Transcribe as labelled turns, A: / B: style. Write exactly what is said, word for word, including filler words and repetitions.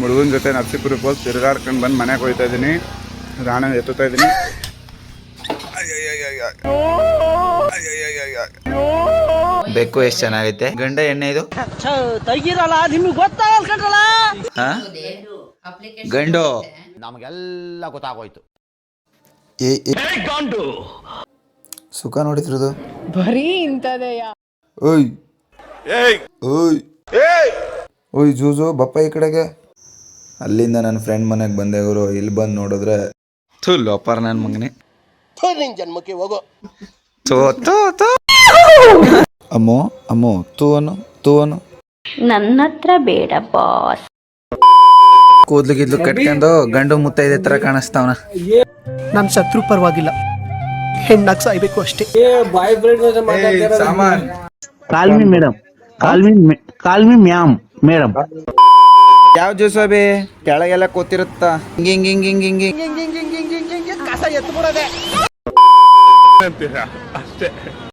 A: ಹುಡುಗನ ಜೊತೆ ನರಸೀಪುರಕ್ಕೆ ಹೋಗಿ ತಿರುಗಾಡ್ಕೊಂಡು ಬಂದು ಮನೆಗೆ ಹೋಗ್ತಾ ಇದ್ದೀನಿ. ರಾಣ ಎತ್ತುತ್ತಾ ಇದ್ದೀನಿ.
B: ಬೆಕ್ಕು ಎಷ್ಟು ಚೆನ್ನಾಗೈತೆ. ಗಂಡ ಎಣ್ಣೆ ಇದು ಗಂಡು
C: ನಮಗೆಲ್ಲ ಗೊತ್ತಾಗೋಯ್ತು.
B: ಸುಖ ನೋಡಿದ್ರದು
D: ಬರೀ ಇಂಥದೆಯ.
B: ಓಯ್ ಓಯ್ ಓಯ್ ಜೂಜು ಬಪ್ಪ ಈ ಕಡೆಗೆ. ಅಲ್ಲಿಂದ ನನ್ನ ಫ್ರೆಂಡ್ ಮನೆಗೆ ಬಂದೆ ಗುರು. ಇಲ್ಲಿ ಬಂದು ನೋಡಿದ್ರೆ ಥೂ ಲೋಪರ್ ನನ್ನ ಮಗನೇ.
C: ಜನ್ಮಕ್ಕೆ ಹೋಗೋ
B: ತೋ ತೋ ತೋ ಅಮ್ಮೋ ಅಮ್ಮೋ ತೂ ಅನು ತೂ ಅನು
E: ನನ್ನ ಹತ್ರ ಬೇಡ ಬಾಸ್.
B: ಕೂದ್ಲು ಗಿದ್ಲು ಕಟ್ಕೊಂಡು ಗಂಡು ಮುತ್ತೈದೆ ತರ ಕಾಣಿಸ್ತಾವನ.
F: ನನ್ನ ಶತ್ರು ಪರವಾಗಿಲ್ಲ, ಹೆಣ್ಣಾಗ್ ಸಾಯ್ಬೇಕು ಅಷ್ಟೇ.
B: ಸಾಮಾನ್
G: call me madam, call me call me ma'am madam.
B: ಯಾವ ಜ್ಯೂಸ್ ಬಿ ಕೆಳಗೆಲ್ಲ ಕೂತಿರುತ್ತ ಹಿಂಗ್ ಹಿಂಗ್ ಹಿಂಗ್ ಹಿಂಗ್ ಹಿಂಗ್
F: ಕಸ ಎತ್ತು ಬಿಡೋದೆ
A: ಅಂತೀರಾ ಅಷ್ಟೇ.